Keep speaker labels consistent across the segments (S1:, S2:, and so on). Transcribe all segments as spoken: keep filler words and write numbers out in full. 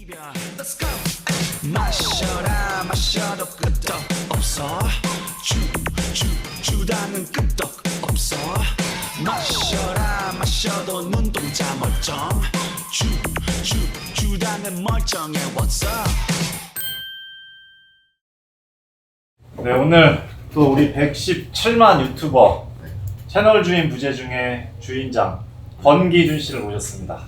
S1: Let's go. 마셔라 마셔도 끄떡 없어. 주주 주다는 끄떡 없어. 마셔라 마셔도 눈동자 멀쩡. 주주 주다는 멀쩡해. What's up?
S2: 네, 오늘 또 우리 백십칠만 유튜버 채널 주인 부재 중에 주인장 권기준 씨를 모셨습니다.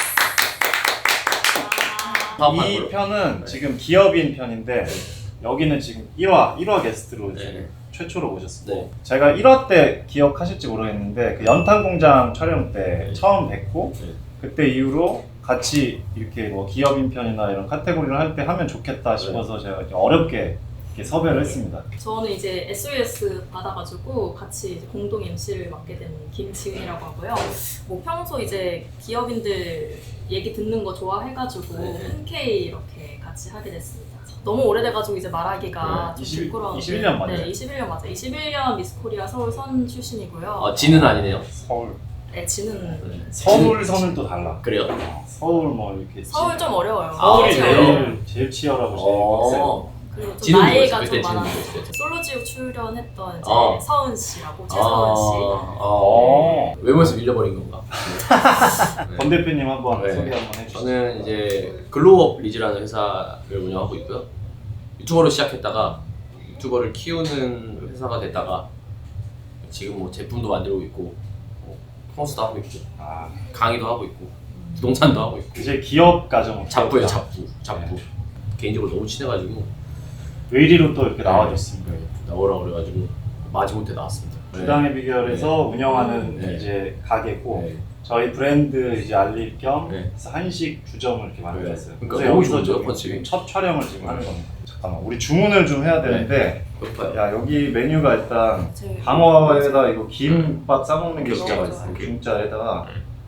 S2: 이 편은 지금 기업인 편인데 여기는 지금 일 화 일 화 게스트로
S3: 네.
S2: 지금 최초로 모셨습니다.
S3: 네.
S2: 제가 일 화 때 기억하실지 모르겠는데 그 연탄공장 촬영 때
S3: 네.
S2: 처음 뵙고
S3: 네.
S2: 그때 이후로 같이 이렇게 뭐 기업인 편이나 이런 카테고리를 할 때 하면 좋겠다 싶어서
S3: 네.
S2: 제가 어렵게 이렇게 섭외를 했습니다.
S4: 저는 이제 에스오에스 받아가지고 같이 이제 공동 엠씨를 맡게 된 김지은이라고 하고요. 뭐 평소 이제 기업인들 얘기 듣는 거 좋아해가지고
S3: 네.
S4: 흔쾌히 이렇게 같이 하게 됐습니다. 너무 오래돼가지고 이제 말하기가
S2: 네.
S4: 좀 부끄러운데
S2: 이십일 년 맞아요?
S4: 네, 이십일 년 맞아요. 이십일 년 미스코리아 서울 선 출신이고요.
S3: 아, 지는 아니네요.
S2: 서울
S4: 네, 지는
S3: 네.
S2: 서울 선은 또 달라.
S3: 그래요?
S2: 서울 뭐 이렇게
S4: 서울 좀 어려워요.
S2: 서울이
S3: 아,
S2: 제일
S3: 그래요?
S2: 제일 치열하고 제일
S3: 어.
S2: 빡세요.
S4: 그리고 좀
S3: 지는
S4: 나이가
S3: 뭐였어요?
S4: 좀
S3: 그때
S4: 많아요.
S3: 지는 뭐였어요?
S4: 솔로지옥 출연했던 이제
S3: 아.
S4: 서은 씨라고 최서은 씨.
S2: 어.
S3: 외모에서 밀려버린 건가? 네.
S2: 권 대표님 한번
S3: 네.
S2: 소개 한번 해주시죠.
S3: 저는 이제 글로우업 리즈라는 회사를 운영하고 있고요. 유튜버로 시작했다가 유튜버를 키우는 회사가 됐다가 지금 뭐 제품도 만들고 있고 뭐 펑스도 하고 있고
S2: 아,
S3: 강의도 하고 있고 부동산도 하고 있고
S2: 이제 기업 가정
S3: 잡부예요. 잡부 잡부 개인적으로 너무 친해가지고
S2: 의리로 또 이렇게 나와줬습니다.
S3: 나오라 그래가지고 마지못해 나왔습니다.
S2: 주당의 비결에서 운영하는
S3: 네.
S2: 이제 가게고
S3: 네.
S2: 저희 브랜드 이제 알릴 겸
S3: 네.
S2: 그래서 한식 주점을 이렇게 만들었어요.
S3: 그러니까
S2: 그래서
S3: 너무
S2: 여기서
S3: 좋은데요,
S2: 지금
S3: 컨셉이?
S2: 첫 촬영을 지금
S3: 네.
S2: 하는 겁니다. 잠깐만, 우리 주문을 좀 해야 되는데
S3: 높아요.
S2: 야 여기 메뉴가 일단
S4: 제일
S2: 방어에다 이거 김밥 싸먹는 게 진짜
S4: 음.
S2: 맛있어요. 중짜에다가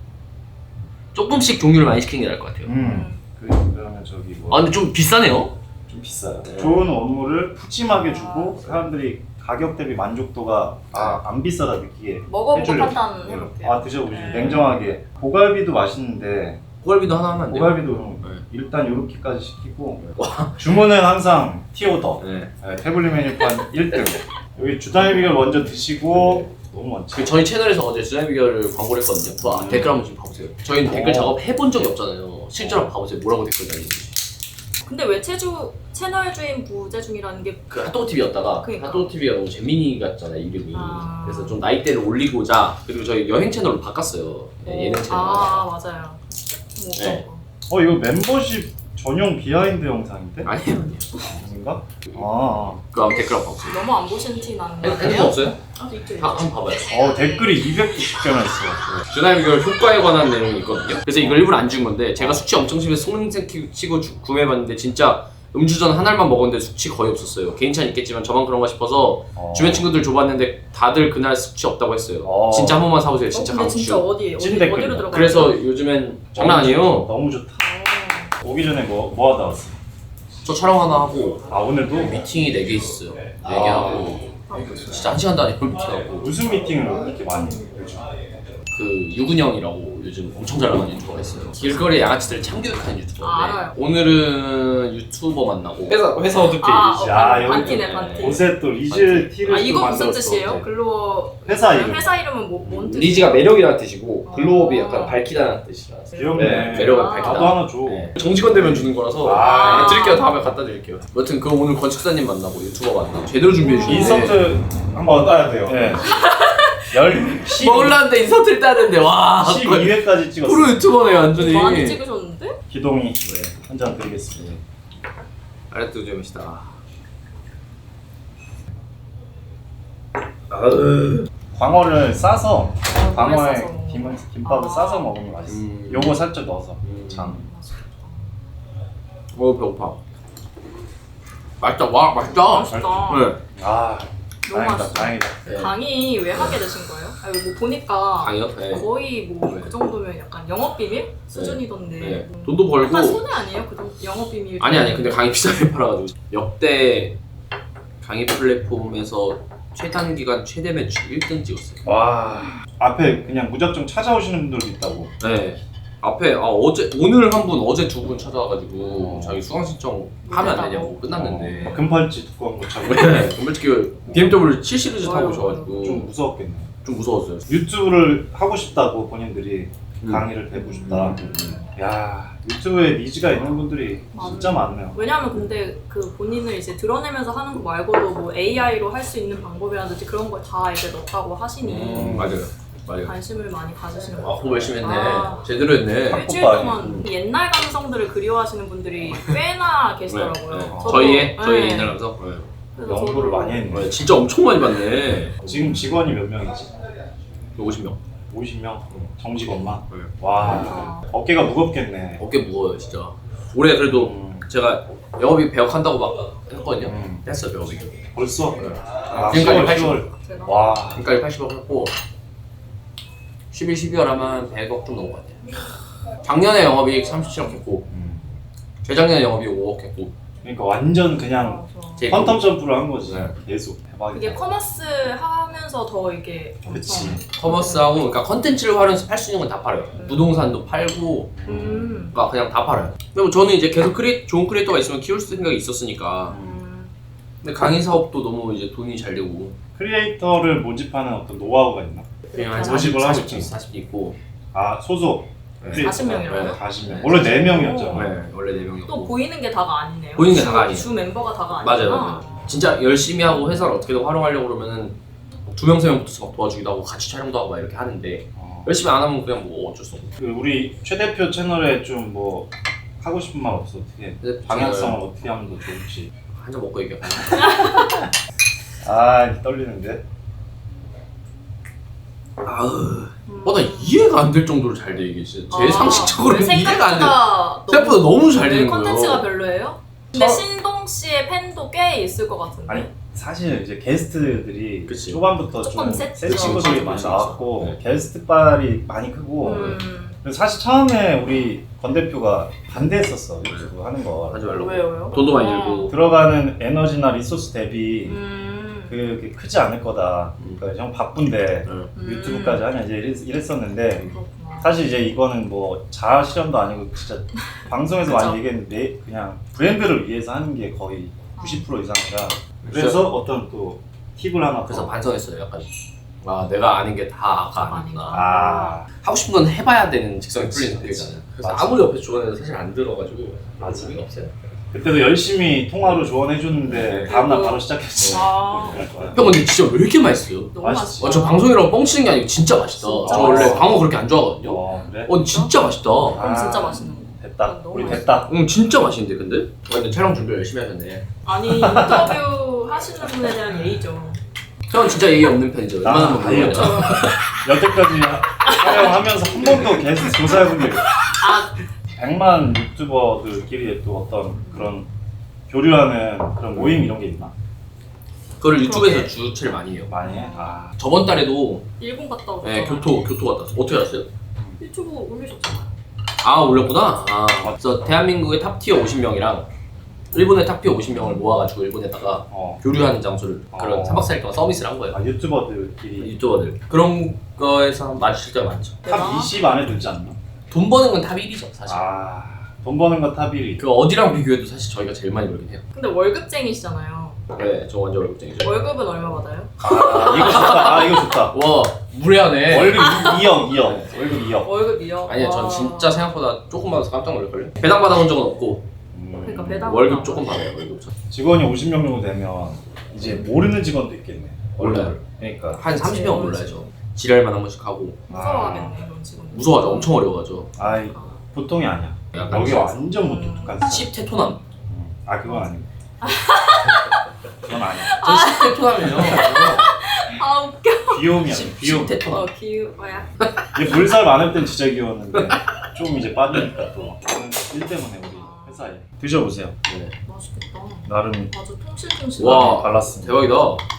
S3: 조금씩 종류를 많이 시키는 게 나을 것 같아요.
S2: 음 그, 그러면 저기 뭐
S3: 아 근데 좀 비싸네요.
S2: 좀 비싸요.
S3: 네.
S2: 좋은 원물을 푸짐하게 주고
S4: 아.
S2: 사람들이 가격 대비 만족도가 아, 안 비싸다 느끼게
S4: 먹어보고
S2: 해주려고.
S4: 판단해볼게요.
S2: 아 드셔보시죠.
S4: 네.
S2: 냉정하게. 고갈비도 맛있는데
S3: 고갈비도 하나 하면 안 돼요?
S2: 고갈비도 좀
S3: 네.
S2: 일단 이렇게까지 시키고 주문은 항상 티오더.
S3: 네.
S2: 네, 태블릿 메뉴판 일 등. 여기 주당의 비결 먼저 드시고 너무 많지.
S3: 그 저희 채널에서 어제 주장 비결을 광고를 했거든요. 와,
S2: 음.
S3: 댓글 한번 좀 봐보세요. 저희는
S2: 어.
S3: 댓글 작업 해본 적이 없잖아요. 실제로 한번 봐보세요. 뭐라고 댓글 달리는지.
S4: 근데 왜 채주 채널 주인 부재 중이라는 게
S3: 그 핫도그 티비였다가
S4: 그러니까.
S3: 핫도그 티비가 너무 재민이 같잖아요 이름이.
S4: 아.
S3: 그래서 좀 나이대를 올리고자 그리고 저희 여행 채널로 바꿨어요. 네, 예능 채널.
S4: 아 맞아요. 뭐 어떤
S3: 네.
S4: 거.
S2: 어 이거 멤버십 전용 비하인드 영상인데?
S3: 아니에요, 아니에요.
S2: 아닌가? 아.
S3: 그 한번 댓글 한번 봐보세요.
S4: 너무 안 보신 티 나는 거
S3: 핸드폰
S4: 아니에요?
S3: 없어요?
S4: 아, 있죠, 있죠.
S3: 한- 한번 봐봐요.
S2: 어 댓글이 이백구십 개나 있어.
S3: 주나의 비결 효과에 관한 내용이 있거든요. 그래서 이걸 일부러 안 준 건데 제가 숙취 엄청 심해서 속냄새 키- 치고 주- 구매해봤는데 진짜 음주전 한 알만 먹었는데 숙취 거의 없었어요. 개인 차는 있겠지만 저만 그런가 싶어서
S2: 어.
S3: 주변 친구들 줘봤는데 다들 그날 숙취 없다고 했어요.
S2: 어.
S3: 진짜 한 번만 사보세요.
S4: 어,
S3: 진짜
S4: 근데 진짜
S3: 강추.
S4: 어디 어디
S2: 찐 댓글이다.
S4: 어디로 들어가?
S3: 그래서 요즘엔 장난 아니에요.
S2: 너무 좋다. 오기 전에 뭐, 뭐 하다 왔어?
S3: 저 촬영 하나 하고
S2: 아 오늘도?
S3: 미팅이 네 개 있어요. 네 개
S2: 아.
S3: 하고 진짜 한 시간도 안 해요. 미팅하고
S2: 무슨 미팅을 이렇게 많이 해? 요즘?
S3: 그 유근영이라고 요즘 엄청 잘 나가는 유튜버가 있어요. 길거리 양아치들을 참교육하는 유튜버인데
S4: 아, 알아요.
S3: 오늘은 유튜버 만나고 회사 회사 어떻게
S4: 아, 어,
S2: 야,
S4: 반-
S2: 여기
S4: 반티네 반티.
S2: 옷에 또 리즈 티를
S4: 아
S2: 또
S4: 이거 무슨
S2: 만들었어.
S4: 뜻이에요? 글로
S2: 회사 이름.
S4: 회사 이름은 뭐, 뭔 뜻이에요?
S5: 리즈가 매력이라는 뜻이고 글로업이
S4: 아.
S5: 약간 밝히다는 뜻이라.
S2: 귀엽네.
S5: 네, 매력을
S4: 아.
S5: 밝히다.
S2: 나도 하나 줘.
S3: 네. 정직원 되면 주는 거라서
S2: 아.
S3: 네, 드릴게요. 다음에 갖다 드릴게요. 여튼 그 오늘 건축사님 만나고 유튜버 만나고 제대로 준비해 주는데
S2: 인서트 한번 따야 돼요. 네. 열
S3: 먹을라는데 인서트를 따는데 와
S2: 십이 회까지 찍었어.
S3: 프로 유튜버네 완전히.
S4: 많이 찍으셨는데?
S2: 기동이 한 잔 드리겠습니다.
S3: 아래도 좀 시다.
S2: 광어를 싸서
S4: 아,
S2: 광어에
S4: 싸서.
S2: 김, 김밥을
S4: 아.
S2: 싸서 먹으면 맛있어.
S3: 음.
S2: 요거 살짝 넣어서
S3: 음.
S2: 장.
S3: 어 배고파. 맛있다. 와 맛있다.
S4: 맛있다.
S3: 네.
S2: 아
S4: 너무
S2: 다행이다
S4: 맛있어.
S2: 다행이다.
S3: 네.
S4: 강의 왜 하게 되신 거예요? 아니 뭐 보니까
S3: 강의요? 네.
S4: 거의 뭐
S3: 네.
S4: 그 정도면 약간 영업 비밀 수준이던데.
S3: 네.
S4: 음.
S3: 돈도 벌고.
S4: 약간 손해 아니에요? 그 정도 영업 비밀.
S3: 아니 아니 근데 강의 비싸게 팔아가지고 역대 강의 플랫폼에서 최단 기간 최대 매출 일 등 찍었어요.
S2: 와 앞에 그냥 무작정 찾아오시는 분들도 있다고.
S3: 네. 앞에 아, 어제 오늘 한 분 어제 두 분 찾아와가지고
S2: 어.
S3: 자기 수강 신청 하면 안 되냐고 끝났는데
S2: 어, 금팔찌 두꺼운 거 차고
S3: 네, 솔직히 비엠더블유 칠 시리즈 타고
S4: 어휴,
S3: 오셔가지고
S2: 좀 무서웠겠네.
S3: 좀 무서웠어요.
S2: 유튜브를 하고 싶다고 본인들이
S3: 음.
S2: 강의를 배우고 싶다.
S3: 음, 음.
S2: 야 유튜브에 니즈가 있는 분들이 진짜 많네요.
S4: 왜냐하면 근데 그 본인을 이제 드러내면서 하는 거 말고도 뭐 에이아이로 할 수 있는 방법이라든지 그런 걸 다 이제 넣었다고 하시니
S3: 음, 맞아요. 맞아요.
S4: 관심을 많이 가지시는
S3: 아,
S4: 것
S3: 공부 열심히 했네.
S4: 아.
S3: 제대로 했네.
S4: 일주일
S2: 학폭발이.
S4: 동안 옛날 감성들을 그리워하시는 분들이 꽤나 계시더라고요.
S3: 네, 네.
S4: 저도-
S3: 저희의
S4: 네.
S3: 저희 옛날 감성. 네.
S4: 그래서
S2: 연구를
S4: 저도
S2: 많이 했네.
S3: 네, 진짜 엄청 많이 봤네.
S2: 지금 직원이 몇 명이지?
S3: 오십 명.
S2: 오십 명? 정직원만?
S3: 네.
S2: 와
S4: 아.
S2: 어깨가 무겁겠네.
S3: 어깨 무거워요 진짜. 올해 그래도
S2: 음,
S3: 제가 영업이 배역한다고 막 했거든요.
S2: 음.
S3: 했어요 배역이.
S2: 벌써? 아,
S3: 지금까지
S2: 시월,
S3: 팔십.
S2: 시월.
S4: 제가
S2: 와
S3: 지금까지 팔십억 했고 십일, 십이월 하면 백억 좀 넘은 것 같아요. 작년에 영업이익 삼십칠억 했고
S2: 음.
S3: 재작년에 영업이익 오억 했고
S2: 그러니까 완전 그냥
S4: 맞아.
S3: 제
S2: 퀀텀 점프를 한 거지.
S3: 네.
S2: 계속 대박이다.
S4: 그게 커머스 하면서 더 이게
S2: 그치.
S3: 커머스하고 그러니까 컨텐츠를 활용해서 팔 수 있는 건 다 팔아요.
S4: 음.
S3: 부동산도 팔고
S4: 음.
S3: 그러니까 그냥 다 팔아요. 그리고 저는 이제 계속 크리, 좋은 크리에이터가 있으면 키울 생각이 있었으니까
S4: 음.
S3: 근데 강의 사업도 너무 이제 돈이 잘 되고
S2: 크리에이터를 모집하는 어떤 노하우가 있나?
S3: 그냥 한
S2: 모집을
S3: 사십,
S2: 하고
S3: 사십, 사십 있고
S2: 아 소속
S3: 네.
S2: 크리에이터가
S4: 사십 명이라고요?
S2: 사십 명.
S3: 네.
S2: 원래 네 명이었잖아.
S3: 네, 원래 네 명이었고
S4: 또 보이는 게 다가 아니네요.
S3: 보이는 게
S4: 주-
S3: 다가 아니에요.
S4: 주 멤버가 다가
S3: 맞아요,
S4: 아니구나.
S3: 맞아요. 진짜 열심히 하고 회사를 어떻게든 활용하려고 그러면은 두 명, 세 명 붙어서 막 도와주기도 하고 같이 촬영도 하고 막 이렇게 하는데
S2: 어.
S3: 열심히 안 하면 그냥 뭐 어쩔 수 없고
S2: 그 우리 최 대표 채널에 좀 뭐 하고 싶은 말 없어? 어떻게
S3: 근데
S2: 방향성을 어떻게 하면 더 좋을지.
S3: 한잔 먹고 얘기해.
S2: 아 떨리는데.
S3: 아으
S4: 음.
S3: 어, 나 이해가 안 될 정도로 잘 돼 이게 진짜 제
S4: 아,
S3: 상식적으로는
S4: 왜
S3: 이해가 안 돼.
S4: 생각보다
S3: 생각보다 너무 잘
S4: 네,
S3: 되는
S4: 컨텐츠가
S3: 거예요.
S4: 별로예요? 근데
S2: 저-
S4: 신동 씨의 팬도 꽤 있을 것 같은데.
S2: 아니 사실 이제 게스트들이
S3: 그치.
S2: 초반부터
S4: 조금
S2: 좀
S4: 셌죠.
S2: 새 친구들이
S3: 그치,
S2: 많이
S3: 그치,
S2: 나왔고
S3: 그치.
S2: 게스트 빨이 많이 크고
S4: 음.
S2: 그래서 사실 처음에 우리 건 대표가 반대했었어 유튜브 하는 거.
S3: 하지 말라고.
S4: 왜요, 왜요?
S3: 돈도 많이
S4: 어.
S3: 들고.
S2: 들어가는 에너지나 리소스 대비
S4: 음.
S2: 그게 크지 않을 거다.
S3: 음.
S2: 그러니까 형 바쁜데
S3: 응.
S4: 음.
S2: 유튜브까지 하냐 이제 이랬, 이랬었는데
S4: 그렇구나.
S2: 사실 이제 이거는 뭐 자아 실현도 아니고 진짜 방송에서
S4: 그쵸.
S2: 많이 얘기했는데 그냥 브랜드를 위해서 하는 게 거의 구십 퍼센트 이상이라 그래서 어떤 또 팁을 하나
S3: 그래서
S2: 더.
S3: 반성했어요 약간. 아 내가 아는 게 다가 아니구나.
S2: 아
S3: 하고 싶은 건 해봐야 되는 직성이 풀리는 성격이잖아요. 그래서
S2: 맞아.
S3: 아무리 옆에서 조언해도 사실 안 들어가지고
S2: 맞아.
S3: 의미가 없어요.
S2: 그때도 열심히 통화로 조언해줬는데
S3: 네.
S2: 다음날 바로 시작했어.
S4: 아,
S3: 형 근데 진짜 왜 이렇게 맛있어요?
S4: 너무
S2: 맛있지.
S4: 맛있어.
S3: 어, 저 방송이라고 뻥치는 게 아니고 진짜 맛있다.
S4: 진짜
S3: 저 원래
S2: 맛있어.
S3: 광어 그렇게 안 좋아하거든요.
S2: 어 그래?
S3: 어 진짜 맛있다.
S4: 그럼 진짜 맛있는 거.
S2: 됐다.
S4: 너무
S2: 우리
S4: 맛있어.
S2: 됐다.
S3: 응 진짜 맛있는데 근데? 어, 근데 촬영 준비 열심히 하셨네.
S4: 아니 인터뷰 하시는 분에 대한 예의죠.
S3: 형은 진짜 예의 없는 편이죠.
S2: 나는
S3: 웬만하면
S2: 아예
S3: 물어보죠.
S2: 여태까지 촬영하면서 한 번도 게스트 조사해본 적이 없어.
S4: 아,
S2: 백만 유튜버들끼리 또 어떤 그런 교류하는 그런 모임 이런 게 있나?
S3: 그거를 유튜브에서
S4: 그러게.
S3: 주최를 많이 해요.
S2: 많이 해? 아
S3: 저번 달에도
S4: 일본 갔다 오셨잖아요.
S3: 네, 교토 교토 갔다 왔어요. 어떻게 갔어요?
S4: 유튜브 올리셨잖아요.
S3: 아 올렸구나. 아 그래서 대한민국의 탑티어 오십 명이랑 일본의 탑티어 오십 명을 모아가지고 일본에다가
S2: 어.
S3: 교류하는 장소를 그런
S2: 어.
S3: 삼 박 사 일 동안 서비스를 한 거예요.
S2: 아 유튜버들끼리
S3: 유튜버들 그런 거에서 마주칠 때가 많죠.
S2: 탑 이십 안에 들지 않나?
S3: 돈 버는 건 탑 일이죠 사실.
S2: 아돈 버는 거 탑 일 위.
S3: 그 어디랑 비교해도 사실 저희가 제일 많이 벌긴 해요.
S4: 근데 월급쟁이시잖아요.
S3: 네, 저 완전 월급쟁이죠.
S4: 월급은 얼마 받아요?
S2: 아 이거 좋다. 아 이거 좋다.
S3: 와 무례하네.
S2: 월급 이억 이억. 월급 이억.
S4: 월급이요?
S3: 아니요, 전
S4: 와.
S3: 진짜 생각보다 조금 받아서 깜짝 놀랄걸요. 배당 받아본 적은 없고
S2: 음,
S4: 그러니까 배당-
S3: 월급 조금 받아요. 월급 저.
S2: 직원이 오십 명 정도 되면 이제 모르는 직원도 있겠네.
S3: 몰라요.
S2: 그러니까
S3: 한 삼십 명은 몰라야죠. 지랄만 한 번씩 하고
S4: 무서워하겠네 그런 직원.
S3: 무서워하죠. 엄청 어려워하죠.
S2: 아이 보통이 아니야.
S3: 약간
S2: 여기 완전 못 독특한 사람.
S3: 십 테토남.
S2: 아 그건 아니고. 그건 아니야.
S3: 전 십 테토남이에요.
S4: 아 웃겨.
S2: 귀여움이야.
S3: 십
S2: 귀여움.
S4: 어
S3: 테토남.
S4: 귀여워야.
S2: 이제 물살 많을 땐 진짜 귀여웠는데 좀 이제 빠지니까 또 저는 일 때문에 우리 회사에 드셔보세요.
S3: 네.
S4: 맛있겠다.
S2: 나름
S4: 아주 통실통실.
S3: 와.
S2: 발랐습니다.
S3: 대박이다.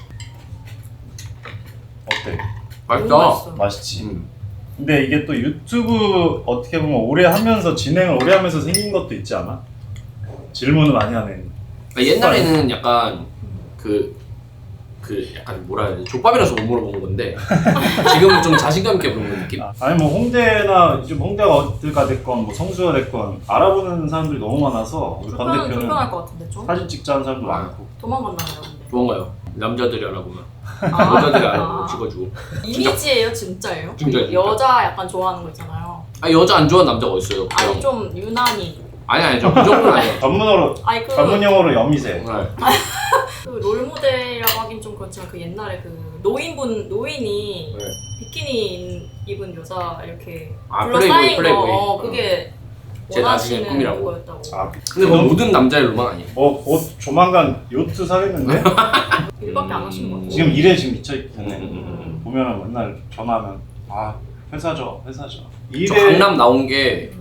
S2: 어때?
S3: 맛있다.
S4: 맛있어.
S2: 맛있지.
S3: 음.
S2: 근데 이게 또 유튜브 어떻게 보면 오래 하면서 진행을 오래 하면서 생긴 것도 있지 않아? 질문을 많이 하는.
S3: 그러니까 옛날에는 약간 그, 그 그 약간 뭐라 해야 되지? 족밥이라서 못 물어본 건데 지금은 좀 자신감 있게 물어보는 느낌?
S2: 아니 뭐 홍대나 요즘 홍대가 어디가 됐건 뭐 성수가 됐건 알아보는 사람들이 너무 많아서 우리 권
S4: 불편,
S2: 대표는
S4: 불편할 것 같은데 좀?
S2: 사진 찍자는 사람도 많고.
S4: 도망간다네요 근데.
S3: 좋은가요? 남자들이 알아보면
S4: 아,
S3: 여자들이
S4: 아.
S3: 알아보면 찍어주고
S4: 이미지예요 진짜예요?
S3: 진짜, 진짜.
S4: 여자 약간 좋아하는 거 있잖아요.
S3: 아 여자 안 좋아하는 남자가 어딨어요?
S4: 아니 좀 유난히.
S3: 아니 아니 저그 정도는 아니에요.
S2: 전문어로
S4: 아니 그,
S2: 전문 용어로 여미새.
S3: 네.
S4: 그 롤모델이라고 하긴 좀 그렇지만 그 옛날에 그 노인분 노인이
S3: 네.
S4: 비키니 입은 여자 이렇게
S3: 아,
S4: 둘러싸인
S3: 플레이보이, 플레이보이.
S4: 거 어, 그게
S3: 제 나중에
S4: 원하시는
S3: 꿈이라고.
S4: 거였다고.
S2: 아,
S3: 근데 뭐 모든 남자의 로망 아니에요?
S2: 뭐곧 조만간 요트 사겠는데?
S4: 일밖에 안 하시는 것 같아요.
S2: 지금 일에 지금 미쳐 있기 때문에
S3: 음.
S2: 보면은 맨날 전화하면 아 회사죠 회사죠.
S3: 저
S2: 일에
S3: 강남 나온 게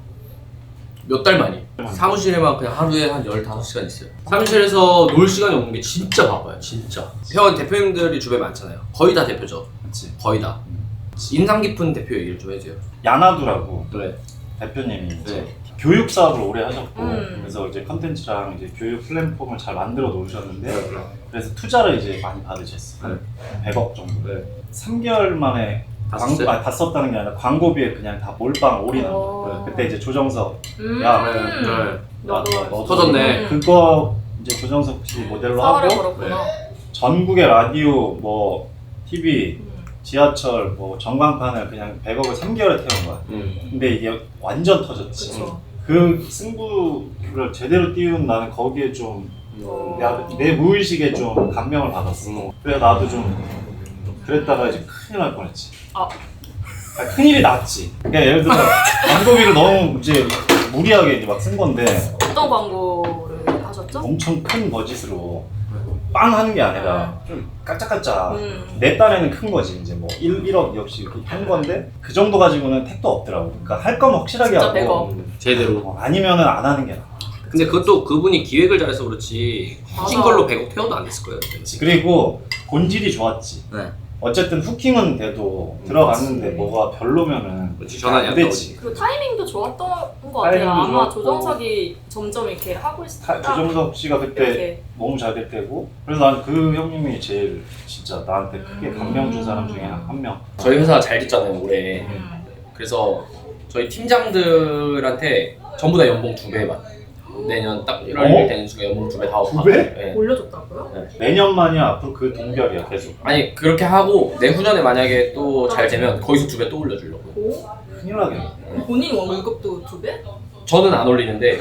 S3: 몇 달
S4: 음.
S3: 만이 사무실에만 그냥 하루에 한 열다섯 시간 있어요. 사무실에서 놀 시간이 없는 게 진짜 바빠요. 진짜 회원 대표님들이 주변에 많잖아요. 거의 다 대표죠.
S2: 그치.
S3: 거의 다 인상 깊은 대표 얘기를 좀 해주세요.
S2: 야나두라고
S3: 네.
S2: 대표님이 이제
S3: 네.
S2: 교육 사업을 오래 하셨고
S4: 음.
S2: 그래서 이제 컨텐츠랑 이제 교육 플랫폼을 잘 만들어 놓으셨는데 그래서 투자를 이제 많이 받으셨어요.
S3: 네.
S2: 백억 정도.
S3: 네.
S2: 삼 개월 만에
S3: 다
S2: 광고,
S3: 썼어요?
S2: 아, 다 썼다는 게 아니라 광고비에 그냥 다 몰빵 올인한 거.
S4: 어.
S2: 그때 이제 조정석
S4: 음.
S2: 야,
S3: 네. 네.
S4: 너도
S2: 너- 너도
S3: 터졌네.
S2: 그거 이제 조정석 씨 모델로
S4: 사활을
S2: 하고
S4: 걸었구나.
S2: 전국의 라디오 뭐 티비
S4: 음.
S2: 지하철 뭐 전광판을 그냥 백억을 삼 개월에 태운 거야.
S3: 음.
S2: 근데 이게 완전 터졌지.
S4: 그쵸.
S2: 그 승부를 제대로 띄운 나는 거기에 좀
S4: 어.
S2: 야, 내 무의식에 좀 감명을 받았어.
S3: 음.
S2: 그래서 나도 좀 그랬다가 이제 큰일 날 뻔했지.
S4: 아.
S2: 아, 큰일이 났지. 그러니까 예를 들어 광고비를 너무 이제 무리하게 이제 막 쓴 건데
S4: 어떤 광고를 하셨죠?
S2: 엄청 큰 버짓으로 빵 하는 게 아니라 좀 깔짝깔짝
S4: 음.
S2: 내 딴에는 큰 거지. 이제 뭐 일, 일억 이억씩 이렇게 한 건데 그 정도 가지고는 택도 없더라고. 그러니까 할 거면 확실하게
S4: 진짜
S2: 하고
S4: 백억.
S3: 음. 제대로.
S2: 어, 아니면은 안 하는 게 나아.
S3: 근데 그것도 그분이 기획을 잘해서 그렇지 후진
S4: 맞아.
S3: 걸로 백억 태워도 안 됐을 거예요.
S2: 그리고 본질이 좋았지.
S3: 네.
S2: 어쨌든 후킹은 돼도 들어갔는데 뭐가 별로면은
S3: 그렇지, 전환이 안
S2: 되지.
S4: 그리고 타이밍도 좋았던 것 같아요.
S2: 타이밍도
S4: 아마
S2: 좋았고.
S4: 조정석이 점점 이렇게 하고 있을
S2: 타-
S4: 때
S2: 조정석 씨가 그때
S4: 이렇게
S2: 너무 잘 될 때고 그래서 난 그 형님이 제일 진짜 나한테 크게
S4: 음.
S2: 감명 준 사람 중에 한 명.
S3: 저희 회사 잘 됐잖아요 올해.
S4: 음.
S3: 그래서 저희 팀장들한테 전부 다 연봉 두 배만. 내년 딱 일월
S2: 어?
S3: 일 일 되는 순간 연봉 두 배 다
S2: 두 배?
S3: 네.
S4: 올려줬다고요?
S2: 내년만이 앞으로 그 동결이야 계속.
S3: 아니 그렇게 하고 내후년에 만약에 또 잘 되면 거기서 두 배 또 올려주려고.
S4: 오?
S2: 큰일 나겠네.
S4: 본인 월급도 두 배?
S3: 저는 안 올리는데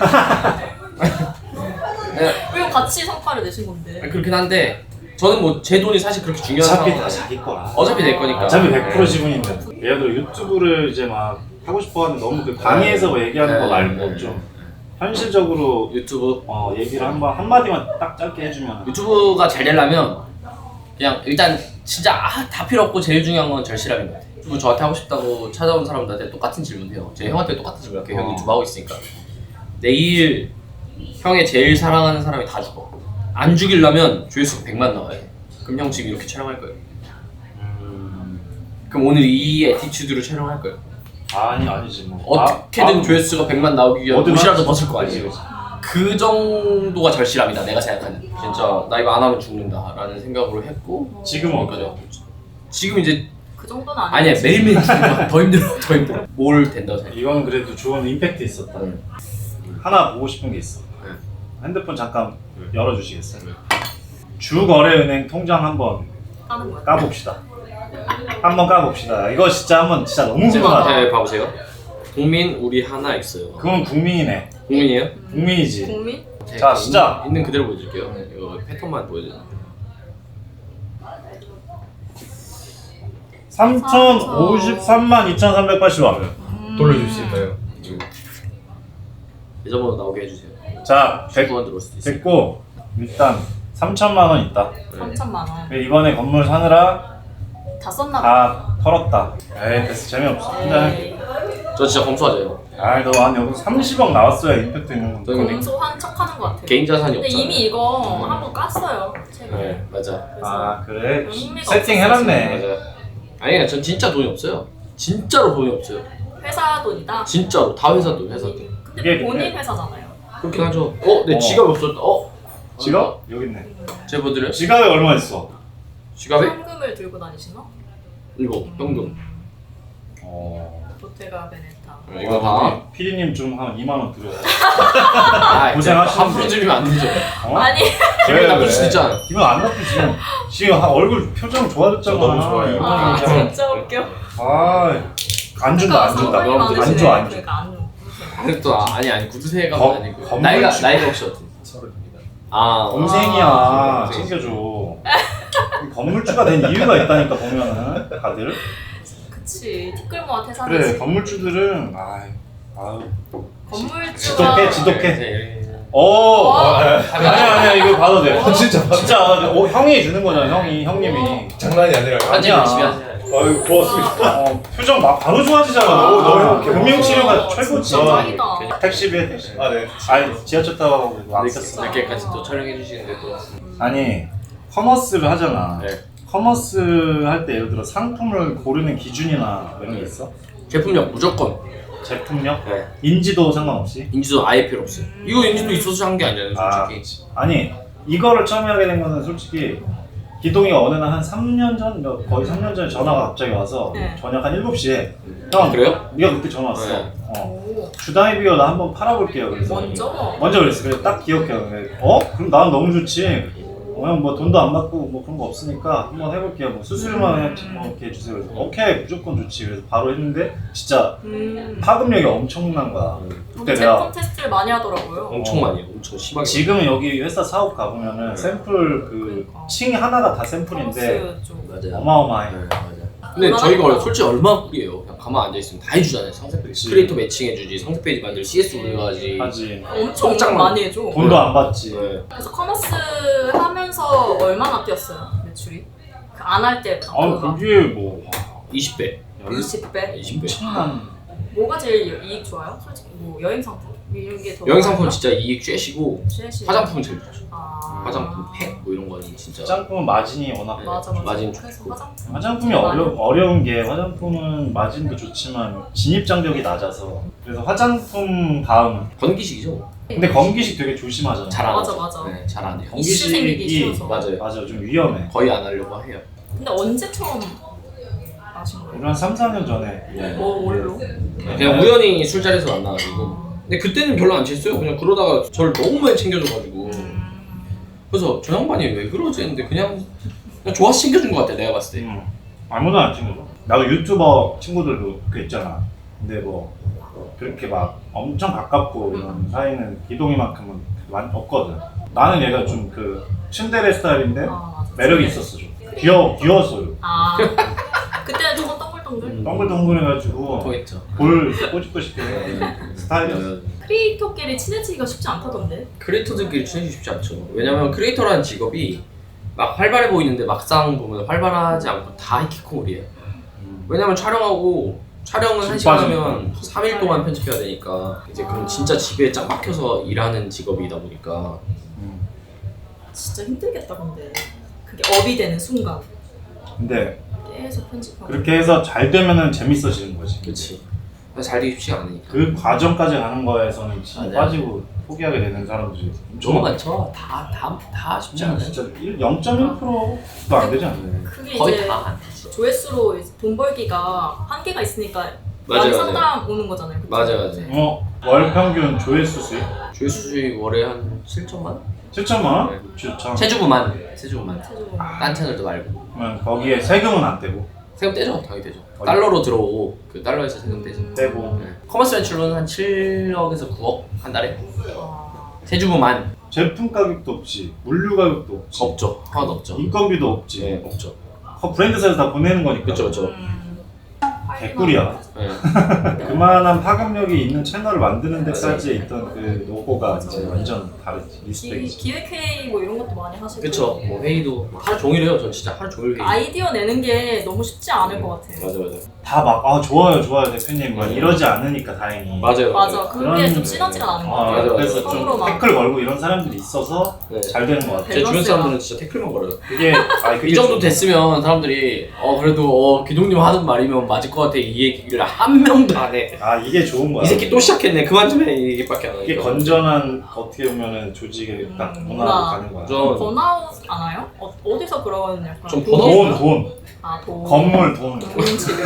S3: 네,
S4: 그리고 같이 성과를 내신 건데.
S3: 그렇긴 한데 저는 뭐 제 돈이 사실 그렇게 중요한
S2: 어차피
S3: 상황
S2: 다 자기 거라.
S3: 어차피 낼 거니까.
S2: 어차피 백 퍼센트
S3: 네.
S2: 지분인데. 예를 들어 유튜브를 이제 막 하고 싶어 하는데 너무 그 강의에서 뭐 얘기하는
S3: 네,
S2: 거 말고
S3: 네,
S2: 좀 현실적으로
S3: 유튜브
S2: 어, 얘기를 한번 한마디만 딱 짧게 해주면.
S3: 유튜브가 잘 되려면 그냥 일단 진짜 아, 다 필요 없고 제일 중요한 건 절실함인 것 같아요. 유튜브 저한테 하고 싶다고 찾아온 사람들한테 똑같은 질문 해요. 제 형한테 똑같은 질문 할게요. 형
S2: 어.
S3: 유튜브 하고 있으니까 내일 형의 제일 사랑하는 사람이 다 죽어. 안 죽이려면 조회수가 백만 나와야 돼. 그럼 형 지금 이렇게 촬영할 거예요.
S2: 음...
S3: 그럼 오늘 이 애티튜드로 촬영할 거예요.
S2: 아니 아니지 뭐.
S3: 어떻게든
S2: 아,
S3: 조회수가 백만 나오기 위해
S2: 어디나
S3: 옷이라도
S2: 하지.
S3: 벗을 거
S2: 그치,
S3: 아니에요.
S2: 그치.
S3: 그 정도가 절실함이다 내가 생각하는. 진짜 나 이거 안 하면 죽는다라는 생각으로 했고
S2: 지금은
S3: 그러니까요. 지금 이제
S4: 그 정도는 아니야.
S3: 아니야 매일매일 힘들어. 더 힘들어 더 힘들어. 뭘 된다고 생각해.
S2: 이건 그래도 좋은 임팩트 있었다.
S3: 음.
S2: 하나 보고 싶은 게 있어.
S3: 네.
S2: 핸드폰 잠깐 열어주시겠어요? 주거래은행 통장 한번
S4: 하는 거야.
S2: 까봅시다. 한번 까봅시다. 이거 진짜 한번 진짜 너무 궁금하다.
S3: 네, 봐보세요. 국민 우리 하나 있어요.
S2: 그건 국민이네.
S3: 국민이에요?
S2: 국민이지.
S4: 국민?
S2: 자, 시작.
S3: 있는 그대로 보여드릴게요. 이거 패턴만 보여드릴게요.
S2: 삼천오십삼만 이천삼백팔십 원.
S4: 음.
S5: 돌려줄 수 있나요?
S3: 계좌번호 나오게 해주세요.
S2: 자, 백,
S3: 백 원 들어올 수도 있어요.
S2: 됐고 일단 삼천만 원 있다.
S4: 삼천만 원.
S2: 이번에 건물 사느라
S4: 다 썼나 봐.
S2: 다 털었다. 에이 됐어 재미없어. 혼자 할게.
S4: 에이,
S3: 저 진짜 검소하죠.
S2: 아이 너한 여기 삼십억 나왔어야 임팩트 있는 건데.
S3: 저는
S4: 검소한 척하는 것 같아.
S3: 개인 자산이
S4: 근데
S3: 없잖아요.
S4: 이미 이거 한번 깠어요. 최근에.
S3: 네, 맞아.
S4: 그래서
S2: 아 그래?
S4: 의미가
S2: 세팅
S4: 없었어,
S2: 해놨네.
S3: 맞아. 아니, 전 진짜 돈이 없어요. 진짜로 돈이 없어요.
S4: 회사 돈이다.
S3: 진짜로 다 회사 돈, 회사 돈.
S4: 근데
S2: 이게
S4: 본인
S2: 근데-
S4: 회사잖아요.
S3: 그렇긴 하죠. 어, 내
S2: 어.
S3: 지갑 없었다. 어,
S2: 지갑? 여기 있네.
S3: 제보드려요?
S2: 지갑에 얼마 있어?
S3: 지갑에
S4: 현금을 들고 다니시나?
S3: 이거 현금.
S2: 어.
S4: 보테가 베네타.
S3: 어, 이거 봐.
S2: 피디님 좀 한 이만 원 드려요.
S3: 아,
S2: 고생하시는데.
S3: 함부로 주면 안 되죠.
S2: 어?
S4: 아니
S3: 기분 나쁠 수도 있잖아.
S2: 기분 안 나쁘지. 지금 한 얼굴 표정 좋아졌잖아.
S5: 저 너무 좋아요.
S2: 이만
S4: 아
S2: 원 그냥.
S4: 진짜 웃겨.
S2: 아, 안 준다, 안 준다.
S4: 상관이
S3: 너무
S2: 안
S4: 많으시네.
S2: 줘, 안 줘.
S4: 그러니까 안 줘.
S3: 그래도 또 아, 아니 아니 구두쇠가
S2: 거-
S3: 아니고
S2: 건물
S3: 나이가
S2: 집-
S3: 나이가 혹시 어떻게?
S5: 서른입니다.
S3: 아
S2: 동생이야.
S3: 아,
S2: 챙겨줘. 건물주가 된 이유가 있다니까, 보면은. 다들.
S4: 그치. 티끌모아 태산이지.
S2: 그래, 건물주들은, 아유, 아유.
S4: 건물주가
S2: 지독해, 지독해.
S3: 네,
S2: 오!
S4: 어?
S2: 아니야, 아니야, 이거 봐도 돼.
S5: 아, 진짜 봐.
S2: 진짜, 어, 형이 주는 거잖아, 형이, 형님이.
S5: 장난이 아니라.
S3: 한지
S2: 아니야.
S3: 열심히 하세요.
S5: 아유 고맙습니다.
S2: 어, 표정 막 바로 좋아지잖아.
S5: 너무, 너무 행복해.
S2: 금융치료가
S4: 어,
S2: 최고지.
S4: 진짜 짱이다.
S2: 택시비에 택시비.
S5: 아 네.
S2: 아니, 지하철 타고 가고 왔었어.
S3: 늦게까지 또 촬영해 주시는데 또
S2: 아니, 커머스를 하잖아.
S3: 네.
S2: 커머스 할 때 예를 들어 상품을 고르는 기준이나 이런 게 있어?
S3: 제품력 무조건.
S2: 제품력?
S3: 네.
S2: 인지도 상관없이?
S3: 인지도 아예 필요 없어요. 이거 인지도 있어서 한 게 아니잖아요,
S2: 아,
S3: 솔직히.
S2: 아니, 이거를 처음 하게 된 거는 솔직히 기동이가 어느 날 한 삼 년 전, 거의 삼 년 전에 전화가 갑자기 와서
S4: 네.
S2: 저녁 한 일곱 시에
S3: 아,
S2: 형,
S3: 그래요?
S2: 네가 그때 전화 왔어.
S3: 네.
S2: 어.
S4: 오.
S2: 주다이비어 나 한번 팔아볼게요. 그래서
S4: 먼저?
S2: 먼저 그랬어. 그래 딱 기억해요. 그래, 어? 그럼 난 너무 좋지. 어, 형 뭐 돈도 안 받고 뭐 그런 거 없으니까 한번 해볼게요. 뭐 수수료만
S4: 음.
S2: 뭐 이렇게 해주세요. 그래서 오케이 무조건 좋지. 그래서 바로 했는데 진짜
S4: 음.
S2: 파급력이 엄청난 거야. 그때
S4: 근데
S2: 내가
S4: 제품 테스트를 많이 하더라고요.
S3: 엄청 많이 해요. 엄청 심하게.
S2: 지금은 여기 회사 사업 가보면은
S3: 네.
S2: 샘플 그
S4: 그러니까.
S2: 층이 하나가 다 샘플인데
S4: 커머스 쪽.
S3: 맞아요.
S2: 어마어마해.
S3: 네, 맞아요. 근데 저희가 솔직히 얼마나 꿀이에요. 그냥 가만 앉아있으면 다 해주잖아요. 상세 페이지.
S2: 그치.
S3: 크리에이터 매칭해주지, 상세 페이지 만들 씨에스 올려가지.
S2: 하지.
S4: 엄청
S3: 꼼짝
S4: 많이 해줘.
S2: 돈도 안 받지.
S3: 네.
S4: 그래서 커머스 하면서 얼마나 뛰었어요? 매출이? 그 안 할 때.
S2: 아 그게 뭐
S3: 이십 배.
S4: 이십 배?
S3: 이십 배.
S2: 엄청난.
S4: 뭐가 제일 이익 좋아요? 솔직히 뭐 여행 상품 이런 게 더.
S3: 여행 상품은 진짜 이익 쬐시고
S4: 최시.
S3: 화장품은 제일 좋죠.
S4: 아.
S3: 화장품, 팩 뭐 이런 거는 진짜.
S2: 화장품은 마진이 워낙
S4: 맞아 맞아.
S3: 마진
S4: 그래서
S3: 좋고.
S4: 화장품.
S2: 화장품이 어려, 어려운 게 화장품은 마진도 좋지만 진입 장벽이 낮아서 그래서 화장품 다음은
S3: 건기식이죠.
S2: 근데 건기식 되게 조심하잖아.
S3: 잘 안
S4: 맞아,
S3: 하죠.
S4: 맞아.
S3: 네, 잘 안 해요.
S4: 이슈 생기기 싫어서.
S3: 맞아요.
S2: 맞아 좀 위험해.
S3: 거의 안 하려고 해요.
S4: 근데 언제 처음 아신
S2: 우리
S4: 거예요?
S2: 한 삼, 사 년 전에
S3: 네.
S4: 뭐 뭘로?
S3: 그냥 우연히 술자리에서 만나가지고. 근데 그때는 별로 안 취했어요. 그냥 그러다가 저를 너무 많이 챙겨줘가지고. 그래서 저 양반이 왜 그러지 했는데 그냥, 그냥 좋아서 챙겨준 것 같아 내가 봤을 때.
S2: 음, 아무나 안 챙겨줘. 나도 유튜버 친구들도 그 있잖아. 근데 뭐 그렇게 막 엄청 가깝고 이런 사이는 기동이만큼은 많이 없거든. 나는 얘가 좀 그 츤데레 스타일인데
S4: 아 맞아.
S2: 매력이 있었어 좀. 귀여 귀여웠어요.
S4: 아 그때는 조금 동글동글.
S3: 음.
S2: 동글동글해가지고
S3: 통했죠.
S2: 볼 꼬집고 싶게 스타일이었어.
S4: 크리에이터끼리 친해지기가 쉽지 않다던데.
S3: 크리에이터들끼리 친해지기 쉽지 않죠. 왜냐면 크리에이터라는 직업이 막 활발해 보이는데 막상 보면 활발하지 않고 다 히키코모리예요. 왜냐면 촬영하고 촬영은 한 시간 하면 삼 일 동안 편집해야 되니까 이제 그럼 진짜 집에 짱 박혀서 일하는 직업이다 보니까
S4: 진짜 힘들겠다 근데. 그게 업이 되는 순간
S2: 근데
S4: 계속 편집하고.
S2: 그렇게 해서 잘 되면은 재밌어지는 거지.
S3: 그렇지. 잘 되기 쉽지가 않으니까.
S2: 그 과정까지 가는 거에서는 진짜
S3: 맞아요.
S2: 빠지고 포기하게 되는 사람들이
S3: 너무 많죠. 다 다 다 쉽지
S2: 진짜
S3: 않아요.
S2: 진짜 영 점 일 퍼센트도 안 되지 않나요?
S4: 그게
S3: 거의
S4: 이제
S3: 다 안 되지.
S4: 조회수로 이제 돈 벌기가 한계가 있으니까
S3: 맞아요,
S4: 많이
S3: 맞아요.
S4: 상담 오는 거잖아요. 그쵸?
S3: 맞아요, 맞아요.
S2: 어, 월 평균 조회수 수익
S3: 조회수 수익 월에 한 칠천만 원?
S2: 칠천만 원?
S3: 네.
S2: 좋죠.
S3: 세주부만. 세주부만.
S4: 최종.
S3: 딴 채널도 말고.
S2: 그러면 거기에 세금은 안 떼고
S3: 세금 떼죠. 당연히 떼죠.
S2: 어디?
S3: 달러로 들어오고 그 달러에서 세금 떼죠.
S2: 떼고
S3: 네. 커머스 매출은 한 칠억에서 구억 한 달에.
S4: 아,
S3: 세주부만
S2: 제품 가격도 없지, 물류 가격도 없지,
S3: 없죠. 하나도 없죠.
S2: 인건비도 없지.
S3: 네, 없죠.
S2: 그 브랜드사에서 다 보내는 거니까.
S3: 그쵸, 그쵸.
S4: 음.
S2: 개꿀이야.
S3: 네.
S2: 그만한 파급력이 있는 채널을 만드는 데까지 있던 그 노고가
S4: 맞아.
S2: 이제 완전 다르지.
S4: 기,
S2: 리스펙이지.
S4: 기획회의 뭐 이런 것도 많이 하시고.
S3: 그쵸. 뭐 회의도 하루 종일 해요. 전 진짜 하루 종일 회의.
S4: 아이디어 내는 게 너무 쉽지 않을 것 같아요.
S3: 맞아, 맞아.
S2: 다 막 아 좋아요 좋아요 대표님 막
S3: 맞아요.
S2: 이러지 않으니까 다행히.
S3: 맞아요,
S4: 맞아. 그게
S2: 그런-
S4: 좀 시너지가 나는 것
S2: 아,
S4: 같아요.
S3: 맞아, 맞아.
S2: 그래서
S4: 서로
S2: 좀
S4: 막-
S2: 태클 걸고 이런 사람들이 있어서
S3: 네.
S2: 잘 되는 것 같아.
S3: 제 주변
S4: 밸런스가.
S3: 사람들은 진짜 태클만 걸어요.
S2: 그게 아
S3: 이 정도 됐으면 사람들이 어 그래도 어 기동님 하는 말이면 맞을 것 같아 이 얘기를 한 명도 안 해.
S2: 아 이게 좋은 거야.
S3: 이 새끼 또 시작했네. 그만 좀 해. 이게밖에 안 하니까.
S2: 이게 건전한 어떻게 보면은 조직의 딱
S4: 음,
S2: 문화로
S4: 문화.
S2: 가는 거야.
S3: 저-
S4: 번아웃 안 와요? 어, 어디서 그런 약간
S3: 좀
S4: 돈-
S2: 돈, 돈,
S4: 아, 돈.
S2: 건물, 돈.
S4: 돈 치료.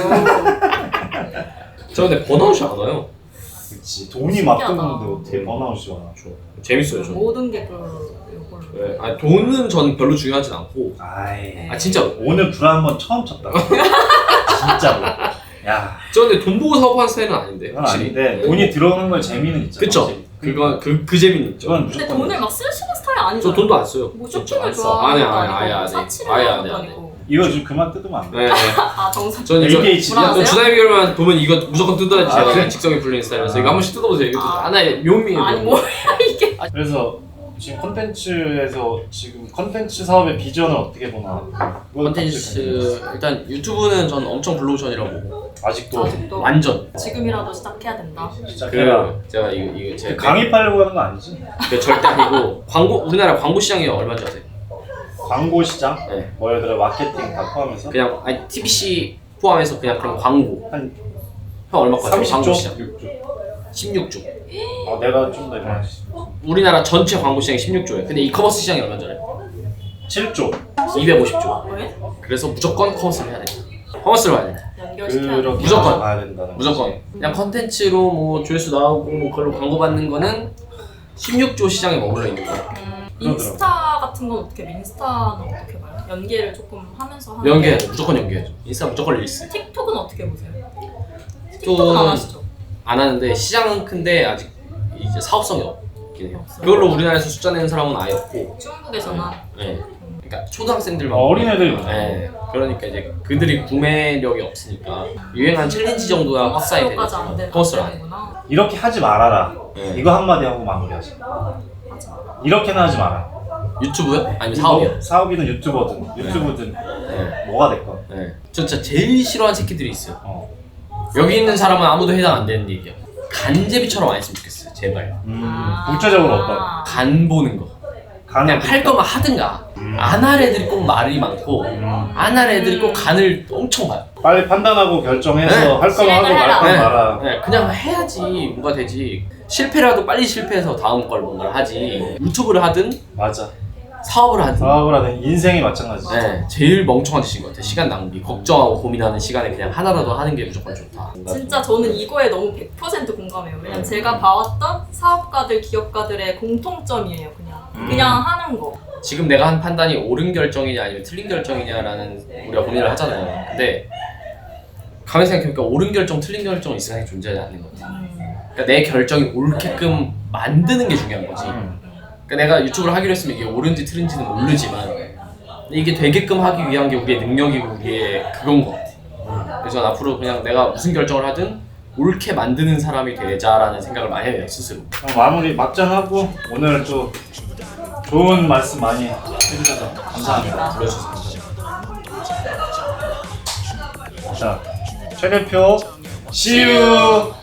S3: 저 근데 번아웃이 안 와요.
S2: 그렇지. 돈이 막
S4: 신기하다.
S2: 뜨는데 어떻게 번아웃이 와?
S3: 재밌어요, 저는.
S4: 모든 게 그, 요걸로.
S3: 네. 아니, 돈은 전 별로 중요하진 않고.
S2: 아이.
S3: 아, 진짜.
S2: 오늘 불안 한번 처음 쳤다. 진짜로. 야,
S3: 저 근데 돈 보고 사업하는 스타일은 아닌데.
S2: 그건
S3: 확실히.
S2: 아닌데 돈이 들어오는 걸 재미는 있잖아.
S3: 그쵸?
S2: 확실히.
S3: 그건 그, 그 재미는 있죠.
S2: 그건
S4: 근데
S2: 무조건.
S4: 돈을 막 쓰시는 스타일 아니죠?
S3: 저 돈도 안 써요.
S4: 뭐
S3: 진짜
S4: 쇼핑을
S3: 안 써. 안 해, 안 해, 아예 안 해.
S4: 사치를
S3: 아예 안
S4: 하는
S3: 해,
S4: 것도
S3: 안 해.
S4: 아니고.
S2: 이거 좀 그만 뜯으면 안 돼.
S3: 네, 네.
S4: 아, 정상.
S3: 저는 이거
S2: 에이케이치.
S4: 불안하세요?
S3: 주사위별만 보면 이거 무조건 뜯어야지
S2: 아,
S3: 제가
S2: 그래?
S3: 직성이 풀리는 스타일이라서
S2: 아.
S3: 이거 한 번씩 뜯어보세요. 이거
S4: 아.
S3: 하나의 묘미예요.
S4: 아니,
S3: 묘미.
S4: 뭐야, 이게.
S2: 그래서 지금 컨텐츠에서 지금 컨텐츠 사업의 비전을 어떻게 보나? 그거
S3: 컨텐츠 일단 유튜브는 전 엄청 블루오션이라고 보고
S2: 아직도
S4: 아직도
S3: 완전
S4: 지금이라도 시작해야 된다.
S2: 시작해라.
S3: 그 제가 이거 이거 제
S2: 강의하려고 하는 거 아니지?
S3: 그 절대 아니고 광고 우리나라 광고 시장이 얼마인지 아세요?
S2: 광고 시장?
S3: 네.
S2: 뭐 예를 들어 마케팅 다 포함해서
S3: 그냥 아니 티비씨 포함해서 그냥 그런 광고
S2: 한
S3: 형 얼마 거죠?
S2: 삼십
S3: 광고
S2: 조?
S3: 시장
S2: 육 조.
S3: 십육 조.
S2: 어, 내가 좀 더 이거
S3: 우리나라 전체 광고 시장이 십육 조예요. 근데 이커머스 시장이 얼마인지 알아요?
S2: 칠 조.
S3: 이백오십 조.
S4: 왜?
S3: 그래서 무조건 커머스를 해야 돼요. 커머스를 봐야 돼요.
S4: 연결시켜야 돼.
S2: 그렇게
S3: 무조건.
S2: 가야 된다는
S3: 무조건
S2: 거지.
S3: 그냥 컨텐츠로 뭐 조회수 나오고 뭐 그걸로 광고 받는 거는 십육 조 시장에 머물러 있는 거예요.
S4: 음, 인스타 같은 건 어떻게, 인스타는 어떻게 봐요? 연계를 조금 하면서 하는
S3: 연계해야죠. 무조건 연계해야죠. 인스타 무조건 릴스.
S4: 틱톡은 어떻게 보세요? 틱톡은 안 하시죠?
S3: 안 하는데 시장은 큰데 아직 이제 사업성이 없긴 해요.
S4: 없어요.
S3: 그걸로 우리나라에서 숫자 내는 사람은 아예 없고.
S4: 중국에서나
S3: 네. 그러니까 초등학생들만.
S2: 어, 어린애들
S3: 네. 그러니까 이제 그들이 구매력이 없으니까 유행한 챌린지 정도야 확산이 되는
S4: 커머스로까지 안 되는
S3: 커머스를 안 해.
S4: 되는구나.
S2: 이렇게 하지 말아라.
S3: 네.
S2: 이거 한마디 하고 마무리하자. 이렇게는 하지 마라.
S3: 유튜브요? 아니면 사업이요?
S2: 뭐, 사업이든 유튜버든 유튜브든
S3: 네.
S2: 뭐가 됐건.
S3: 네. 저 진짜 제일 싫어하는 새끼들이 있어요.
S2: 어.
S3: 여기 있는 사람은 아무도 해당 안 되는 얘기야. 간제비처럼 안 했으면 좋겠어요. 제발.
S2: 음,
S4: 아.
S2: 구체적으로 어떤?
S3: 간 보는 거.
S2: 간을
S3: 그냥 할 거면 하든가.
S2: 음.
S3: 안 할 애들이 꼭 말이 많고
S2: 음.
S3: 안 할 애들이 꼭 간을 엄청 봐요.
S2: 빨리 판단하고 결정해서
S3: 네.
S2: 할 거면 하고
S4: 실행을
S2: 말 거면
S3: 해라.
S2: 말아.
S3: 네, 그냥 해야지 뭐가 되지. 실패라도 빨리 실패해서 다음 걸 뭔가를 하지. 유튜브를 하든
S2: 맞아.
S3: 사업을 하든.
S2: 사업을 하는 인생이 마찬가지지.
S3: 네, 제일 멍청한 짓인 것 같아. 시간 낭비. 걱정하고 고민하는 시간에 그냥 하나라도 하는 게 무조건 좋다.
S4: 진짜 저는 이거에 너무 백 퍼센트 공감해요. 왜냐면
S3: 음.
S4: 제가 봐왔던 사업가들, 기업가들의 공통점이에요. 그냥
S2: 음.
S4: 그냥 하는 거.
S3: 지금 내가 한 판단이 옳은 결정이냐 아니면 틀린 결정이냐라는 우리가 고민을 하잖아요. 근데 가만히 생각해보니까 옳은 결정, 틀린 결정은 이 세상에 존재하지 않는 것 같아. 그러니까 내 결정이 옳게끔 만드는 게 중요한 거지.
S2: 음.
S3: 그러니까 내가 유튜브를 하기로 했으면 이게 옳은지 틀린지는 모르지만 근데 이게 되게끔 하기 위한 게 우리의 능력이고 우리의 그건 것 같아. 그래서 난 앞으로 그냥 내가 무슨 결정을 하든 옳게 만드는 사람이 되자라는 생각을 많이 해요, 스스로.
S2: 그럼 마무리 막장하고 오늘 또 좋은 말씀 많이 해주셔서 감사합니다.
S3: 불러주셔서 감사합니다.
S2: 자, 최 대표, see you.